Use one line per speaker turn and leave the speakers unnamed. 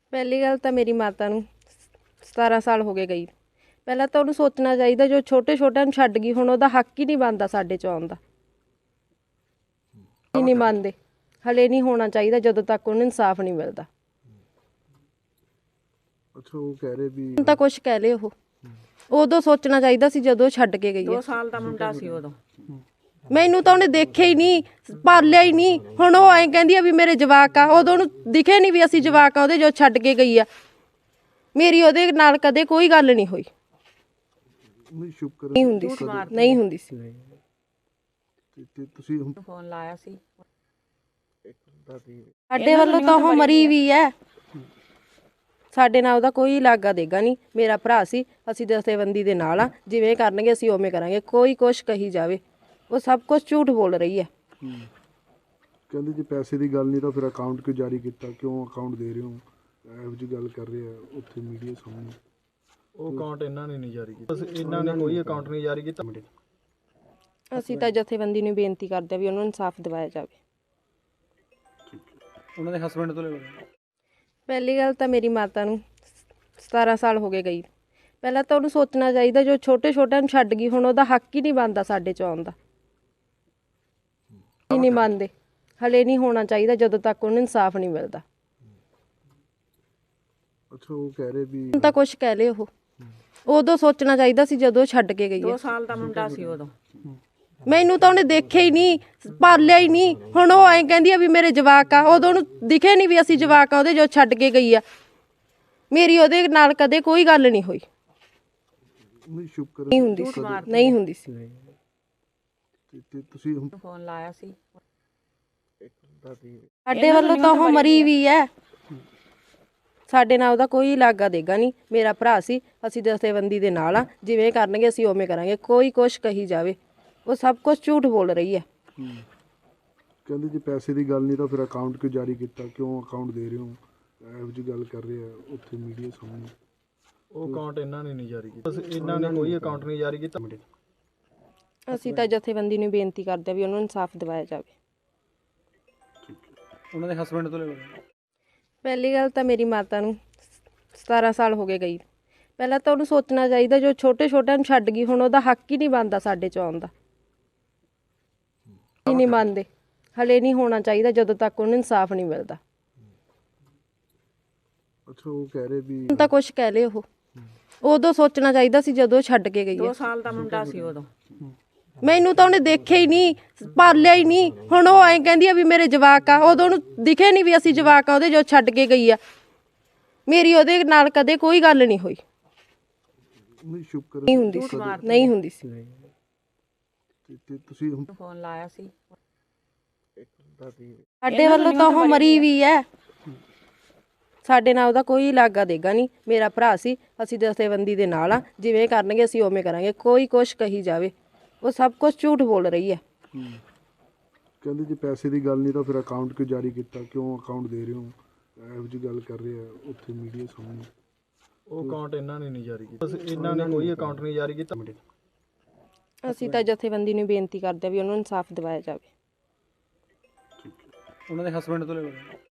ਪਹਿਲੀ ਗੱਲ ਤਾਂ ਮੇਰੀ ਮਾਤਾ ਨੂੰ 17 ਸਾਲ ਹੋ ਗਏ ਗਈ। ਪਹਿਲਾਂ ਤਾਂ ਉਹਨੂੰ ਸੋਚਣਾ ਚਾਹੀਦਾ, ਜੋ ਛੋਟੇ ਛੋਟਿਆਂ ਨੂੰ ਛੱਡ ਗਈ, ਹੁਣ ਉਹਦਾ ਹੱਕ ਹੀ ਨਹੀਂ ਬਣਦਾ ਸਾਡੇ ਚ ਆਉਣ ਦਾ। ਹੀ ਨਹੀਂ ਮੰਨਦੇ, ਹਲੇ ਨਹੀਂ ਹੋਣਾ ਚਾਹੀਦਾ ਜਦੋਂ ਤੱਕ ਉਹਨੂੰ ਇਨਸਾਫ ਨਹੀਂ ਮਿਲਦਾ।
ਅੱਛਾ, ਉਹ ਕਹਿ ਰਹੇ ਵੀ
ਹੁਣ ਤਾਂ ਕੁਛ ਕਹਿ ਲਏ, ਉਹ ਉਦੋਂ ਸੋਚਣਾ ਚਾਹੀਦਾ ਸੀ ਜਦੋਂ ਛੱਡ ਕੇ ਗਈ ਹੈ।
2 ਸਾਲ ਦਾ ਮੁੰਡਾ ਸੀ ਉਦੋਂ।
ਮੈਨੂੰ ਤਾਂ ਉਹਨੇ ਦੇਖਿਆ ਹੀ ਨਹੀਂ, ਪਾਲਿਆ ਹੀ ਨਹੀਂ। ਹੁਣ ਉਹ ਐਂ ਕਹਿੰਦੀ ਆ ਵੀ ਮੇਰੇ ਜਵਾਕ ਆ, ਉਦੋਂ ਉਹਨੂੰ ਦਿਖੇ ਨਹੀਂ ਵੀ ਅਸੀਂ ਜਵਾਕ ਆ ਉਹਦੇ, ਜੋ ਛੱਡ ਕੇ ਗਈ ਆ। ਮੇਰੀ ਉਹਦੇ ਨਾਲ ਕਦੇ ਕੋਈ ਗੱਲ ਨਹੀਂ ਹੋਈ,
ਨਹੀਂ ਸ਼ੁਕਰ
ਨਹੀਂ ਹੁੰਦੀ ਸੀ, ਨਹੀਂ ਹੁੰਦੀ ਸੀ।
ਤੇ ਤੁਸੀਂ ਹੁਣ
ਫੋਨ ਲਾਇਆ ਸੀ।
ਸਾਡੇ ਵੱਲੋਂ ਤਾਂ ਉਹ ਮਰੀ ਵੀ ਹੈ, ਸਾਡੇ ਨਾਲ ਉਹਦਾ ਕੋਈ ਲਾਗਾ ਦੇਗਾ ਨਹੀਂ। ਮੇਰਾ ਭਰਾ ਸੀ, ਅਸੀਂ ਦਸਤੇਬੰਦੀ ਦੇ ਨਾਲ ਆ, ਜਿਵੇਂ ਕਰਨਗੇ ਅਸੀਂ ਉਵੇਂ ਕਰਾਂਗੇ। ਕੋਈ ਕੁਛ ਕਹੀ ਜਾਵੇ, ਉਹ ਸਭ ਕੁਝ ਝੂਠ ਬੋਲ ਰਹੀ ਹੈ।
ਕਹਿੰਦੇ ਜੇ ਪੈਸੇ ਦੀ ਗੱਲ ਨਹੀਂ ਤਾਂ ਫਿਰ ਅਕਾਊਂਟ ਕਿਉਂ ਜਾਰੀ ਕੀਤਾ, ਕਿਉਂ ਅਕਾਊਂਟ ਦੇ ਰਹੇ ਹੋ, ਇਹੋ ਜਿਹੀ ਗੱਲ ਕਰ ਰਹੇ ਆ ਉੱਥੇ ਮੀਡੀਆ ਸਾਹਮਣੇ।
ਉਹ ਅਕਾਊਂਟ ਇਹਨਾਂ ਨੇ ਨਹੀਂ ਜਾਰੀ ਕੀਤਾ, ਇਹਨਾਂ ਨੇ ਕੋਈ ਅਕਾਊਂਟ ਨਹੀਂ ਜਾਰੀ ਕੀਤਾ।
ਅਸੀਂ ਤਾਂ ਜਥੇਬੰਦੀ ਨੂੰ ਬੇਨਤੀ ਕਰਦੇ ਆ ਵੀ ਉਹਨੂੰ ਇਨਸਾਫ ਦਿਵਾਇਆ ਜਾਵੇ।
ਉਹਨਾਂ ਦੇ ਹਸਬੰਡ ਤੋਂ ਲੈ ਲਓ।
ਪਹਿਲੀ ਗੱਲ ਤਾਂ ਮੇਰੀ ਮਾਤਾ ਨੂੰ 17 ਸਾਲ ਹੋ ਗਏ ਗਈ। ਪਹਿਲਾਂ ਤਾਂ ਉਹਨੂੰ ਸੋਚਣਾ ਚਾਹੀਦਾ, ਜੋ ਛੋਟੇ ਛੋਟਿਆਂ ਨੂੰ ਛੱਡ ਗਈ, ਹੁਣ ਉਹਦਾ ਹੱਕ ਹੀ ਨਹੀਂ ਬਣਦਾ ਸਾਡੇ ਚ ਆਉਣ ਦਾ। ਹੀ ਨਹੀਂ ਮੰਨਦੇ, ਹਲੇ ਨਹੀਂ ਹੋਣਾ ਚਾਹੀਦਾ ਜਦੋਂ ਤੱਕ ਉਹਨੂੰ ਇਨਸਾਫ ਨਹੀਂ ਮਿਲਦਾ।
ਅੱਛਾ, ਉਹ ਕਹਿ ਰਹੇ ਵੀ
ਹੁਣ ਤਾਂ ਕੁਛ ਕਹਿ ਲਏ, ਉਹ ਉਦੋਂ ਸੋਚਣਾ ਚਾਹੀਦਾ ਸੀ ਜਦੋਂ ਛੱਡ ਕੇ ਗਈ ਹੈ।
2 ਸਾਲ ਦਾ ਮੁੰਡਾ ਸੀ ਉਦੋਂ।
ਮੈਨੂੰ ਤਾਂ ਉਹਨੇ ਦੇਖਿਆ ਹੀ ਨਹੀਂ, ਪਾਲਿਆ ਹੀ ਨਹੀਂ। ਹੁਣ ਉਹ ਐਂ ਕਹਿੰਦੀ ਆ ਵੀ ਮੇਰੇ ਜਵਾਕ ਆ, ਉਦੋਂ ਉਹਨੂੰ ਦਿਖੇ ਨਹੀਂ ਵੀ ਅਸੀਂ ਜਵਾਕ ਆ ਉਹਦੇ, ਜੋ ਛੱਡ ਕੇ ਗਈ ਆ। ਮੇਰੀ ਉਹਦੇ ਨਾਲ ਕਦੇ ਕੋਈ ਗੱਲ ਨਹੀਂ ਹੋਈ,
ਨਹੀਂ ਸ਼ੁਕਰ
ਨਹੀਂ ਹੁੰਦੀ ਸੀ, ਨਹੀਂ ਹੁੰਦੀ ਸੀ।
ਤੇ ਤੁਸੀਂ ਹੁਣ
ਫੋਨ ਲਾਇਆ ਸੀ।
ਸਾਡੇ ਵੱਲੋਂ ਤਾਂ ਉਹ ਮਰੀ ਵੀ ਹੈ, ਸਾਡੇ ਨਾਲ ਉਹਦਾ ਕੋਈ ਲਾਗਾ ਦੇਗਾ ਨਹੀਂ। ਮੇਰਾ ਭਰਾ ਸੀ, ਅਸੀਂ ਦਸਤੇਬੰਦੀ ਦੇ ਨਾਲ ਆ, ਜਿਵੇਂ ਕਰਨਗੇ ਅਸੀਂ ਉਵੇਂ ਕਰਾਂਗੇ। ਕੋਈ ਕੁਛ ਕਹੀ ਜਾਵੇ, ਉਹ ਸਭ ਕੁਝ ਝੂਠ ਬੋਲ ਰਹੀ ਹੈ।
ਕਹਿੰਦੇ ਜੇ ਪੈਸੇ ਦੀ ਗੱਲ ਨਹੀਂ ਤਾਂ ਫਿਰ ਅਕਾਊਂਟ ਕਿਉਂ ਜਾਰੀ ਕੀਤਾ, ਕਿਉਂ ਅਕਾਊਂਟ ਦੇ ਰਹੇ ਹੋ, ਇਹੋ ਜਿਹੀ ਗੱਲ ਕਰ ਰਹੇ ਆ ਉੱਥੇ ਮੀਡੀਆ ਸਾਹਮਣੇ।
ਉਹ ਅਕਾਊਂਟ ਇਹਨਾਂ ਨੇ ਨਹੀਂ ਜਾਰੀ ਕੀਤਾ, ਇਹਨਾਂ ਨੇ ਕੋਈ ਅਕਾਊਂਟ ਨਹੀਂ ਜਾਰੀ ਕੀਤਾ।
ਅਸੀਂ ਤਾਂ ਜਥੇਬੰਦੀ ਨੂੰ ਬੇਨਤੀ ਕਰਦੇ ਆ ਵੀ ਉਹਨੂੰ ਇਨਸਾਫ ਦਿਵਾਇਆ ਜਾਵੇ।
ਉਹਨਾਂ ਦੇ ਹਸਬੰਡ ਤੋਂ ਲੈ ਲਓ।
ਪਹਿਲੀ ਗੱਲ ਤਾਂ ਮੇਰੀ ਮਾਤਾ ਨੂੰ 17 ਸਾਲ ਹੋ ਗਏ ਗਈ। ਪਹਿਲਾਂ ਤਾਂ ਉਹਨੂੰ ਸੋਚਣਾ ਚਾਹੀਦਾ, ਜੋ ਛੋਟੇ ਛੋਟਿਆਂ ਨੂੰ ਛੱਡ ਗਈ, ਹੁਣ ਉਹਦਾ ਹੱਕ ਹੀ ਨਹੀਂ ਬਣਦਾ ਸਾਡੇ ਚ ਆਉਣ ਦਾ। ਹੀ ਨਹੀਂ ਮੰਨਦੇ, ਹਲੇ ਨਹੀਂ ਹੋਣਾ ਚਾਹੀਦਾ ਜਦੋਂ ਤੱਕ ਉਹਨੂੰ ਇਨਸਾਫ ਨਹੀਂ ਮਿਲਦਾ।
ਅੱਛਾ, ਉਹ ਕਹਿ ਰਹੇ ਵੀ
ਹੁਣ ਤਾਂ ਕੁਛ ਕਹਿ ਲਏ, ਉਹ ਉਦੋਂ ਸੋਚਣਾ ਚਾਹੀਦਾ ਸੀ ਜਦੋਂ ਛੱਡ ਕੇ ਗਈ
2
ਹੈ।
ਸਾਲ ਦਾ ਮੁੰਡਾ ਸੀ ਉਦੋਂ।
ਮੈਨੂੰ ਤਾਂ ਉਹਨੇ ਦੇਖਿਆ ਹੀ ਨਹੀਂ, ਪਾਲਿਆ ਹੀ ਨਹੀਂ। ਹੁਣ ਉਹ ਐਂ ਕਹਿੰਦੀ ਆ ਵੀ ਮੇਰੇ ਜਵਾਕ ਆ, ਉਦੋਂ ਉਹਨੂੰ ਦਿਖੇ ਨਹੀਂ ਵੀ ਅਸੀਂ ਜਵਾਕ ਆ ਉਹਦੇ, ਜੋ ਛੱਡ ਕੇ ਗਈ ਆ। ਮੇਰੀ ਉਹਦੇ ਨਾਲ ਕਦੇ ਕੋਈ ਗੱਲ ਨਹੀਂ ਹੋਈ,
ਨਹੀਂ ਸ਼ੁਕਰ
ਨਹੀਂ ਹੁੰਦੀ ਸੀ, ਨਹੀਂ ਹੁੰਦੀ ਸੀ।
ਤੇ ਤੁਸੀਂ ਹੁਣ
ਫੋਨ ਲਾਇਆ ਸੀ।
ਸਾਡੇ ਵੱਲੋਂ ਤਾਂ ਉਹ ਮਰੀ ਵੀ ਹੈ, ਸਾਡੇ ਨਾਲ ਉਹਦਾ ਕੋਈ ਲਾਗਾ ਦੇਗਾ ਨਹੀਂ। ਮੇਰਾ ਭਰਾ ਸੀ, ਅਸੀਂ ਦਸਤੇਬੰਦੀ ਦੇ ਨਾਲ ਆ, ਜਿਵੇਂ ਕਰਨਗੇ ਅਸੀਂ ਉਵੇਂ ਕਰਾਂਗੇ। ਕੋਈ ਕੁਛ ਕਹੀ ਜਾਵੇ, ਉਹ ਸਭ ਕੁਝ ਝੂਠ ਬੋਲ ਰਹੀ ਹੈ।
ਕਹਿੰਦੇ ਜੇ ਪੈਸੇ ਦੀ ਗੱਲ ਨਹੀਂ ਤਾਂ ਫਿਰ ਅਕਾਊਂਟ ਕਿਉਂ ਜਾਰੀ ਕੀਤਾ, ਕਿਉਂ ਅਕਾਊਂਟ ਦੇ ਰਹੇ ਹੋ, ਇਹੋ ਜਿਹੀ ਗੱਲ ਕਰ ਰਹੇ ਆ ਉੱਥੇ ਮੀਡੀਆ ਸਾਹਮਣੇ।
ਉਹ ਅਕਾਊਂਟ ਇਹਨਾਂ ਨੇ ਨਹੀਂ ਜਾਰੀ ਕੀਤਾ, ਇਹਨਾਂ ਨੇ ਕੋਈ ਅਕਾਊਂਟ ਨਹੀਂ ਜਾਰੀ ਕੀਤਾ।
ਅਸੀਂ ਤਾਂ ਜਥੇਬੰਦੀ ਨੂੰ ਬੇਨਤੀ ਕਰਦੇ ਆ ਵੀ ਉਹਨੂੰ ਇਨਸਾਫ ਦਿਵਾਇਆ ਜਾਵੇ।
ਉਹਨਾਂ ਦੇ ਹਸਬੰਡ ਤੋਂ ਲੈ ਲਓ।